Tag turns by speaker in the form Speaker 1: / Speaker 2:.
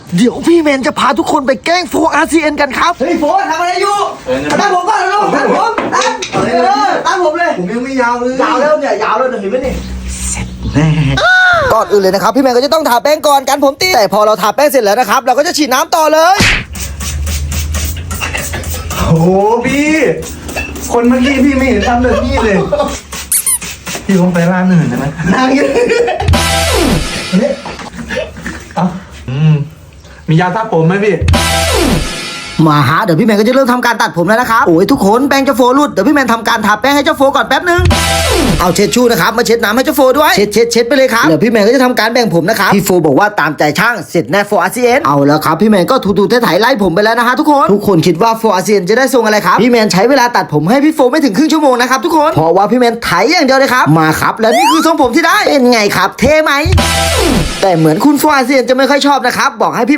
Speaker 1: เดี๋ยวพี่แมนจะพาทุกคนไปแกล้งโฟRCNกันครับเฮ้ยโฟทำอะไรอยู่ตามผมก่อนนะตามผมตามผมเลยผมยังไม่ยาวเลยยาวแล้วเนี่ยยาวแล้วเห็นไหมนี่ก่อนอื่นเลยนะครับพี่แมนก็จะต้องทาแป้งก่อนกันผมตีแต่พอเราทาแป้งเสร็จแล้วนะครับเราก็จะฉีดน้ำต่อเลย
Speaker 2: โอ้พี่คนเมื่อกี้พี่ไม่เห็นทำแบบนี้เลยพี่ลงไปร้านอื่นได้ไหมนั่งอยู่เอ้ามียาทับผมไหมพี่
Speaker 1: มาฮะเดี๋ยวพี่แมนก็จะเริ่มทำการตัดผมแล้วนะครับโอ้ยทุกคนแป้งเจ้าโฟรุดเดี๋ยวพี่แมนทำการทาแป้งให้เจ้าโฟก่อนแป๊บนึงเอาเช็ดชูนะครับมาเช็ดน้ำให้เจ้าโฟด้วยเช็ดไปเลยครับเดี๋ยวพี่แมนก็จะทำการแบ่งผมนะครับพี่โฟบอกว่าตามใจช่างเสร็จแน่โฟRCNเอาแล้วครับพี่แมนก็ถูๆไถไล่ผมไปแล้วนะฮะทุกคนคิดว่าโฟRCNจะได้ทรงอะไรครับพี่แมนใช้เวลาตัดผมให้พี่โฟไม่ถึงครึ่งชั่วโมงนะครับทุกคนเพราะว่าพี่แมนไถอย่างเดียวเลยครับมาครับแล้วนี่คือทรงผมที่ได้เป็นไงครับเท่ไหมแต่เหมือนคุณโฟRCNจะไม่ค่อยชอบนะครับบอกให้พี่